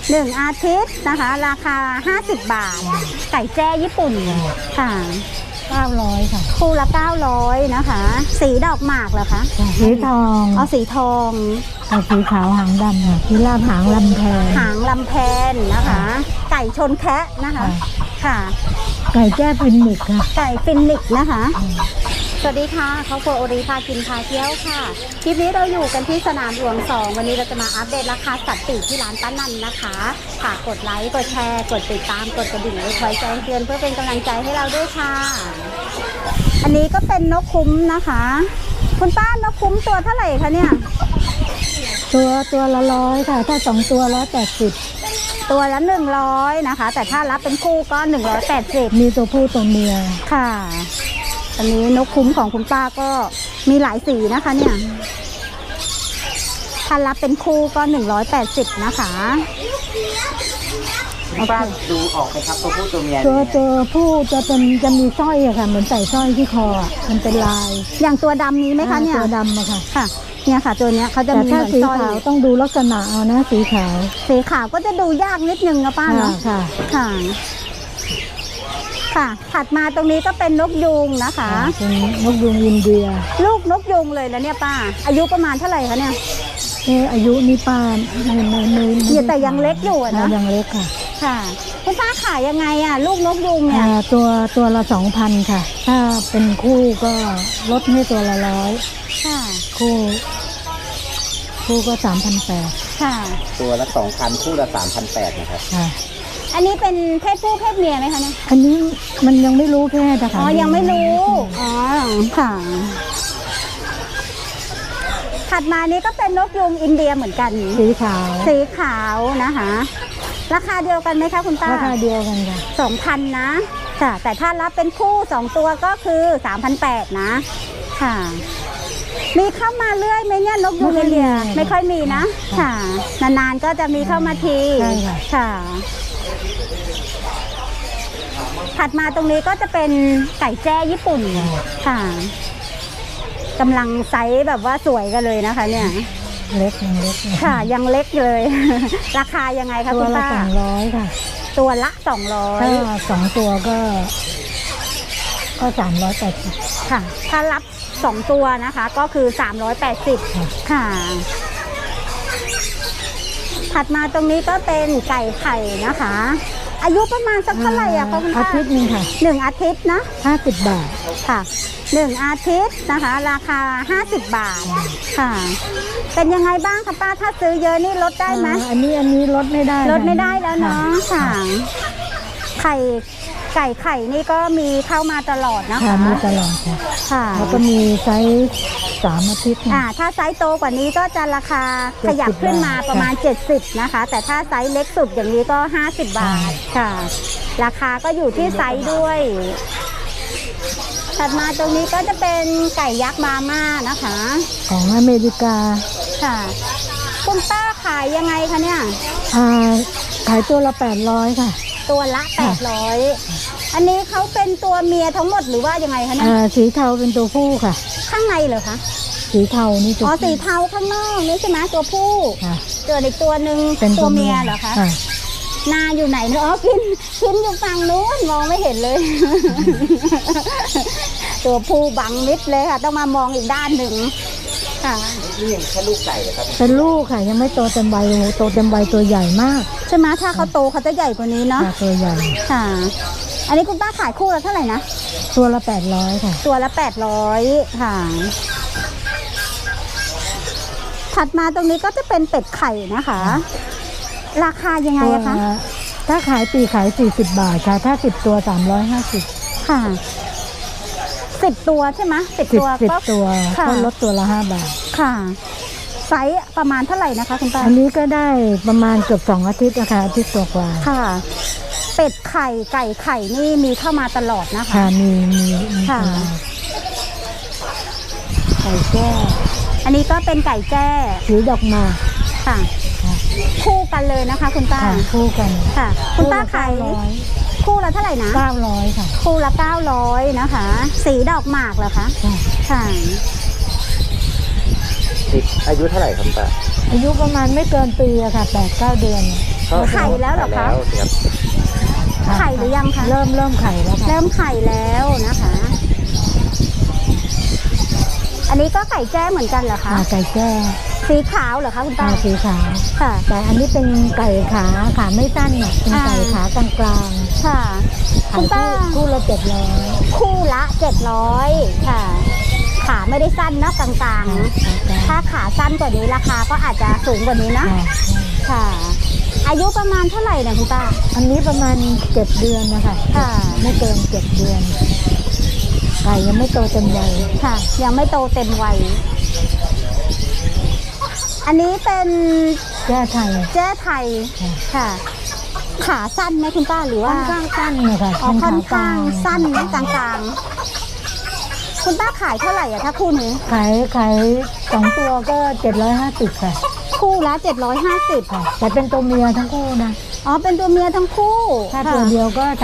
1 อาทิตย์นะคะราคา50 บาทไก่แจ้ญี่ปุ่นค่ะ 900ค่ะคู่ละ900นะคะสีดอกหมากเหรอคะสีทองเอาสีทองกับสีขาวหางดำค่ะพิราบหางลำแพนหางลำแพนนะคะไก่ชนแคะนะคะค่ะไก่แจ้ฟินิกค่ะไก่ฟินิกนะคะสวัสดีค่ะครอบครัวโอริพากินพาเที่ยวค่ะคลิปนี้เราอยู่กันที่สนามหลวง2วันนี้เราจะมาอัปเดตราคาสัตว์ปีกที่ร้านป้านันนะคะฝากกดไลค์กดแชร์กดติดตามกดกระดิ่งไว้คอยแจ้งเตือนเพื่อเป็นกำลังใจให้เราด้วยค่ะอันนี้ก็เป็นนกคุ้มนะคะคุณป้านกคุ้มตัวเท่าไหร่คะเนี่ยตัวละ100ค่ะถ้า2ตัว180 ตัวละ100นะคะแต่ถ้ารับเป็นคู่ก็180 มีตัวผู้ตัวเมียค่ะอันนี้นกคุ้มของคุณป้าก็มีหลายสีนะคะเนี่ยถ้ารับเป็นคู่ก็180นะคะป้าดูออกไหมครับตัวผู้ตัวเมียตัวผู้จะมีสร้อยอะค่ะเหมือนใส่สร้อยที่คอมันเป็นลายอย่างตัวดำนี้ไหมคะเนี่ยตัวดำอะค่ะค่ะเนี่ยค่ะตัวเนี้ยเขาจะมีเหมือนสร้อยสีขาวต้องดูลักษณะเอานะสีขาวก็จะดูยากนิดนึงนะป้าเนาะค่ะค่ะถัดมาตรงนี้ก็เป็นนกยูงนะคะเป็นนกยูงอินเดียลูกนกยูงเลยแล้วเนี่ยป้าอายุประมาณเท่าไหร่คะเนี่ยอายุนี่ป้าไม่แต่ยังเล็กอยู่นะยังเล็กค่ะค่ะคุณป้าขายยังไงอ่ะลูกนกยูงเนี่ยตัวละ2,000ค่ะถ้าเป็นคู่ก็ลดให้ตัวละ100 ค่ะคู่ก็3,800 ค่ะตัวละ2,000คู่ละ3,800นะครับค่ะอันนี้เป็นเพศผู้เพศเมียไหมคะเนี่ยอันนี้มันยังไม่รู้เพศนะคะอ๋อยังไม่รู้อ๋อค่ะถัดมานี้ก็เป็นนกยูงอินเดียเหมือนกันสีขาวนะคะราคาเดียวกันไหมคะคุณป้าราคาเดียวกันค่ะ 2,000นะค่ะแต่ถ้ารับเป็นคู่2ตัวก็คือ3,800นะค่ะมีเข้ามาเรื่อยไหมเนี่ยนกยูงอินเดียไม่ค่อยมีนะค่ะนานๆก็จะมีเข้ามาทีค่ะถัดมาตรงนี้ก็จะเป็นไก่แจ้ญี่ปุ่นค่ะกำลังไซส์แบบว่าสวยกันเลยนะคะเนี่ยเล็กค่ะยังเล็กเลยราคายังไงคะคุณป้าตัวละ200ค่ะตัวละ200 ถ้า2ตัวก็380 ค่ะถ้ารับ2ตัวนะคะก็คือ380ค่ะถัดมาตรงนี้ก็เป็นไก่ไข่นะคะอายุประมาณสักเท่าไหร่อะคะคุณป้าอาทิตย์นึงค่ะ 1 อาทิตย์นะ 50 บาทค่ะ1 อาทิตย์นะคะราคา50 บาทค่ะเป็นยังไงบ้างคะป้าถ้าซื้อเยอะนี่ลดได้ไหมอันนี้ลดไม่ได้แล้วเนาะค่ะไก่นี่ก็มีเข้ามาตลอดนะคะมีตลอดค่ะแล้วก็มีไซส์3 อาทิตย์ถ้าไซส์โตกว่านี้ก็จะราคาขยับขึ้นมาประมาณ70นะคะแต่ถ้าไซส์เล็กสุดอย่างนี้ก็50 บาทค่ะราคาก็อยู่ที่ไซส์ด้วยถัดมาตรงนี้ก็จะเป็นไก่ยักษ์มาม่านะคะของอเมริกาค่ะคุณป้าขายยังไงคะเนี่ยขายตัวละ800ค่ะตัวละ800อันนี้เขาเป็นตัวเมียทั้งหมดหรือว่ายังไงคะเนี่ยสีเทาเป็นตัวผู้ค่ะข้างในเหรอคะสีเทานี่ตัวสีเทาข้างนอกนี่ใช่ไหมตัวผู้เจออีกตัวหนึ่งเป็นตัวเมียเหรอคะนาอยู่ไหนเนาะกินอยู่ฝั่งนู้นมองไม่เห็นเลย ตัวผู้บังมิดเลยค่ะต้องมามองอีกด้านหนึ่งค่ะนี่ยังแค่ลูกไก่ครับเป็นลูกค่ะยังไม่โตเต็มใบโตเต็มใบตัวใหญ่มากใช่ไหมถ้าเขาโตเขาจะใหญ่กว่านี้เนาะตัวใหญ่ค่ะอันนี้คุณป้าขายคู่ละเท่าไหร่นะตัวละ800ค่ะตัวละ800ค่ะถัดมาตรงนี้ก็จะเป็นเป็ดไข่นะคะราคายังไงคะถ้าขายปีขาย40 บาทค่ะถ้า10 ตัว350 ค่ะ10 ตัวใช่ไหม10 ตัวก็ลดตัวละ5 บาทค่ะไซส์ประมาณเท่าไหร่นะคะคุณป้าอันนี้ก็ได้ประมาณเกือบ2 อาทิตย์นะคะอาทิตย์ตัวกว่าค่ะเป็ดไข่ไก่ไข่นี่มีเข้ามาตลอดนะคะค่ะมีค่ะไก่แจ้อันนี้ก็เป็นไก่แจ้สีดอกมาค่ะคู่กันเลยนะคะคุณป้าคู่กันค่ะคุณป้าขายคู่ละเท่าไหร่นะ 900ค่ะคู่ละ900นะคะสีดอกหมากเหรอคะค่ะอายุเท่าไหร่ครับป้าอายุประมาณไม่เกินปีอะค่ะ8-9 เดือนไข่แล้วเหรอคะแล้วครับไข่หรือยังคะเริ่มไข่แล้วค่ะเริ่มไข่แล้วนะคะ อันนี้ก็ไก่แจ้เหมือนกันเหรอคะไก่แจ้สีขาวเหรอคะคุณป้าสีขาวค่ะแต่อันนี้เป็นไก่ขาไม่สั้นอ่ะเป็นไก่ขากลางค่ะๆคุณป้าคู่ละ700 คู่ละ700ค่ะ ขาไม่ได้สั้นเนอะกลางๆ ถ้าขาสั้นกว่านี้ราคาก็อาจจะสูงกว่านี้นะ ค่ะ อายุประมาณเท่าไหร่เนี่ยคุณป้าอันนี้ประมาณ7 เดือนนะคะค่ะไม่เกิน7 เดือนไก่ยังไม่โตเต็มวัยค่ะ ยังไม่โตเต็มวัย อันนี้เป็นแจ้ไทยแจ้ไทย ค่ะ ขาสั้นไหมคุณป้าหรือค่ว่าอนข้างสั้นนะคะอ๋อค่อนข้างเป็นขสั้นนะกลางๆ คุณป้าขายเท่าไหร่อะถ้าคู่นี้ขาย2 ตัวก็750ค่ะคู่ละ750 ค่ะ แต่เป็นตัวเมียทั้งคู่นะอ๋อ เป็นตัวเมียทั้งคู่ถ้าค่ะตัวเดียวก็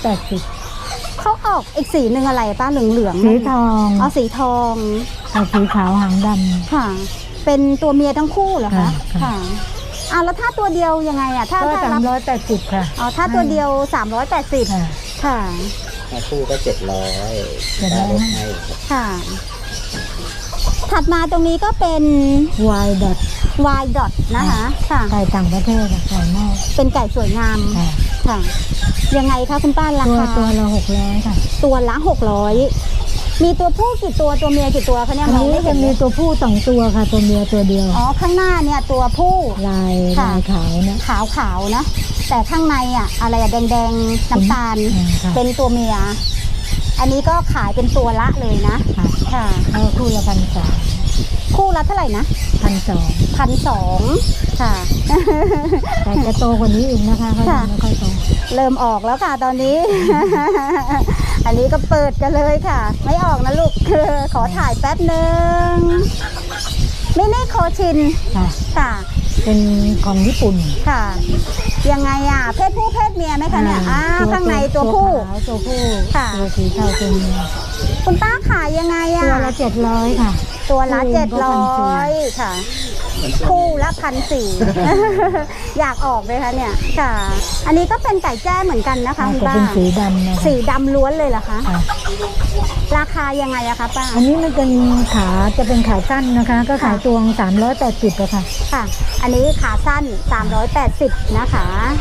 380 เขาออกอีกสีหนึ่งอะไรป้าเหลืองๆสีทองอ๋อสีทองกับสีขาวหางดค่ะ เป็นตัวเมียทั้งคู่เหรอคะค่ะค่ะอ่ะแล้วถ้าตัวเดียวยังไงอะถ้าำก็ถ้ารับ 380ค่ะอ๋อถ้าตัวเดียว380 ค่ะค่ะคู่ก็700 700 ได้ลดให้ครับค่ะ ถัดมาตรงนี้ก็เป็น Y dot Y dot นะคะค่ะไก่ต่างประเทศอะไก่นอกเป็นไก่สวยงามค่ะค่ะ ยังไงคะคุณป้าราตัวคาตัวละ600ค่ะตัวละ600มีตัวผู้กี่ตัวตัวเมียกี่ตัวคะเนี่ยอันมองนี้ไม่จะเห็นมีตัวผู้2 ตัวค่ะ ตัวเมียตัวเดียวอ๋อข้างหน้าเนี่ยตัวผู้ลายค่ะขาวนะขาวๆนะ แต่ข้างในอะอะไรอะแดงๆน้ำตาลค่ะเป็นตัวเมีย อันนี้ก็ขายเป็นตัวละเลยนะค่ะค่ะเอาคู่ละ1,300 คู่ละเท่าไหร่นะ 1,200 1,200ค่ะแต่จะโตกว่านี้อีกนะคะเขาค่ะยังไม่ค่อยโตเริ่มออกแล้วค่ะตอนนี้ อันนี้ก็เปิดกันเลยค่ะ ไม่ออกนะลูก ขอถ่ายแป๊บหนึ่งมินิโคชินค่ะค่ะเป็นของญี่ปุ่นค่ะ ยังไงอ่ะ เพศผู้เพศเมียไหมคะเนี่ยข้างในตัวผู้ขาวตัวผู้ค่ะตัวสีเทาตัวเมียคุณป้าขายยังไงอ่ะตัวละ700ค่ะตัวละคู่ก็ 700 1,400 ค่ะ คู่ละ1,400 อยากออกเลยคะเนี่ยค่ะ อันนี้ก็เป็นไก่แจ้เหมือนกันนะคะคุณก็ป้าเป็นสีดำนะคะสีดำล้วนเลยเหรอคะค่ะราคายังไงอะคะป้าอันนี้มันเป็นจะเป็นขาสั้นนะคะ ก็ขายตัว380อะค่ะค่ะ อันนี้ขาสั้น380นะคะ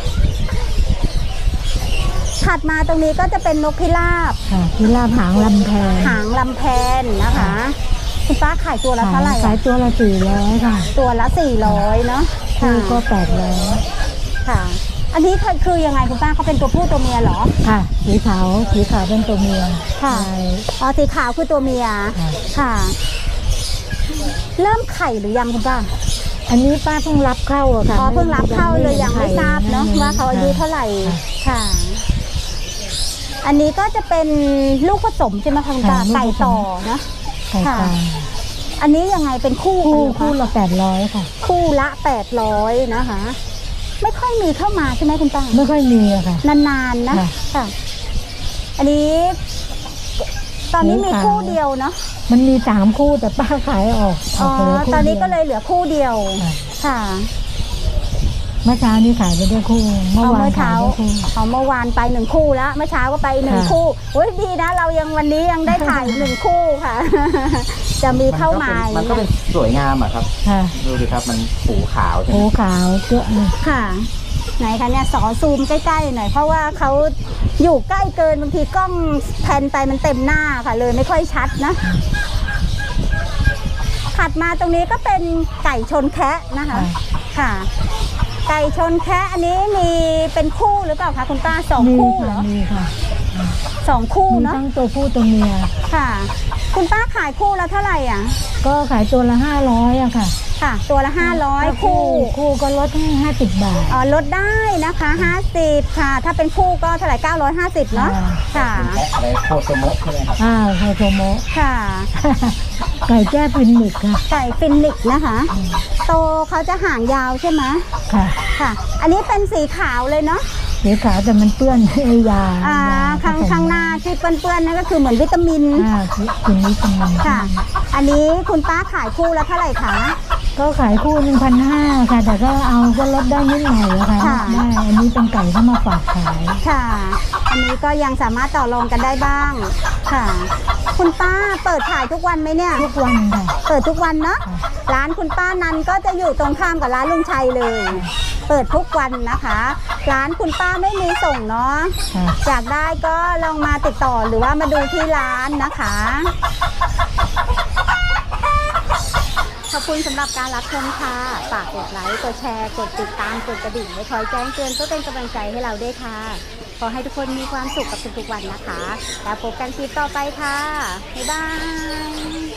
ถัดมาตรงนี้ก็จะเป็นนกพิราบค่ะพิราบหางลำแพนหางลำแพนนะคะ คุณป้าขายตัวละเท่าไหร่ขายอะตัวละ400ค่ะตัวละ400เนาะคู่ก็ค่ะ 800 ค่ะ อันนี้คือยังไงคุณป้าเขาเป็นตัวผู้ตัวเมียเหรอค่ะสีขาวเป็นตัวเมียค่ะลายอ๋อสีขาวคือตัวเมียค่ะค่ะ เริ่มไข่หรือยังคุณป้าอันนี้ป้าเพิ่งรับเข้าอะค่ะอ๋อเพิ่งรับเข้าเลยยังไม่ทราบเนาะไข่ว่าเขาอายุเท่าไหร่ค่ะค่ะ อันนี้ก็จะเป็นลูกผสมใช่ไหมคะคุณป้าค่ะลูกผสมไก่ต่อนะไก่กลางอันนี้ยังไงเป็นคู่คู่กันเหรอคะละ800ค่ะคู่ละ800นะคะ ไม่ค่อยมีเข้ามาใช่ไหมคุณป้าไม่ค่อยมีอะค่ะนานๆนะค่ะค่ะ อันนี้ ตอนนี้มีคู่เดียวเนาะมันมี3 คู่แต่ป้าขายออกอ๋อเหลืคู่ตอนนี้ดีวก็เลยเหลือคู่เดียวค่ะค่ะเมื่อเช้านี้ขายไปได้คู่ เมื่อเอาวานเมื่อขาเช้ายได้คู่เอาเมื่อวานไป1 คู่แล้วเมื่อเช้าก็ไป1 ค่ะคู่โอ้ยดีนะ เรายังวันนี้ยังได้ถ่าย 1 คู่ค่ะ จะมีเข้ามามันก็เป็นสวยงามอะครับค่ะดูดิครับมันหูขาวใช่ไหโอ้มขาวเยอะเลยค่ะ ไหนคะเนี่ยซูมใกล้ๆหน่อยเพราะว่าเขาอยู่ใกล้เกินบางทีกล้องแพนไปมันเต็มหน้าค่ะ เลยไม่ค่อยชัดนะ ถัดมาตรงนี้ก็เป็นไก่ชนแคะนะคะ ค่ะ ไก่ชนแคะอันนี้มีเป็นคู่หรือเปล่าคะคุณป้า2 คู่เหรอมีค่ะ 2 คู่มีเนาะทั้งตัวผู้ตัวเมียค่ะ คุณป้าขายคู่ละเท่าไหร่อ่ะก็ขายตัวละ500อะค่ะค่ะ ตัวละ500คู่คู่ก็ลดให้50 บาทอ๋อลดได้นะคะ50ค่ะ ถ้าเป็นคู่ก็เท่าไหร่950เนาะค่ะและอะไรโคโตโมะใช่ไหมครับไคโตโมะค่ะไก่แจ้ฟินนิกค่ะไก่ฟินิกซ์นะคะ โตเขาจะหางยาวใช่ไหมค่ะค่ะ อันนี้เป็นสีขาวเลยเนาะสีขาวแต่มันเปื้อนยาข้างหน้าที่เปื้อนๆนั่นก็คือเหมือนวิตามินกินวิตามินค่ะ อันนี้คุณป้าขายคู่ละเท่าไหร่คะก็ขายคู่1,500ค่ะแต่ก็เอาก็ลดได้นิดหน่อยอะค่ะค่ะได้อันนี้เป็นไก่เข้ามาฝากขายค่ะ อันนี้ก็ยังสามารถต่อรองกันได้บ้างค่ะ คุณป้าเปิดขายทุกวันไหมเนี่ยทุกวันค่ะเปิดทุกวันเนาะค่ะร้านคุณป้านันก็จะอยู่ตรงข้ามกับร้านลุงชัยเลย เปิดทุกวันนะคะ ร้านคุณป้าไม่มีส่งเนาะค่ะอยากได้ก็ลองมาติดต่อหรือว่ามาดูที่ร้านนะคะ ขอบคุณสำหรับการรับชมค่ะ ฝากกดไลค์ กดแชร์ กดติดตาม กดกระดิ่งไว้คอยแจ้งเตือนเพื่อเป็นกำลังใจให้เราด้วยค่ะ ขอให้ทุกคนมีความสุขกับทุกๆวันนะคะ แล้วพบกันคลิปต่อไปค่ะ บ๊ายบาย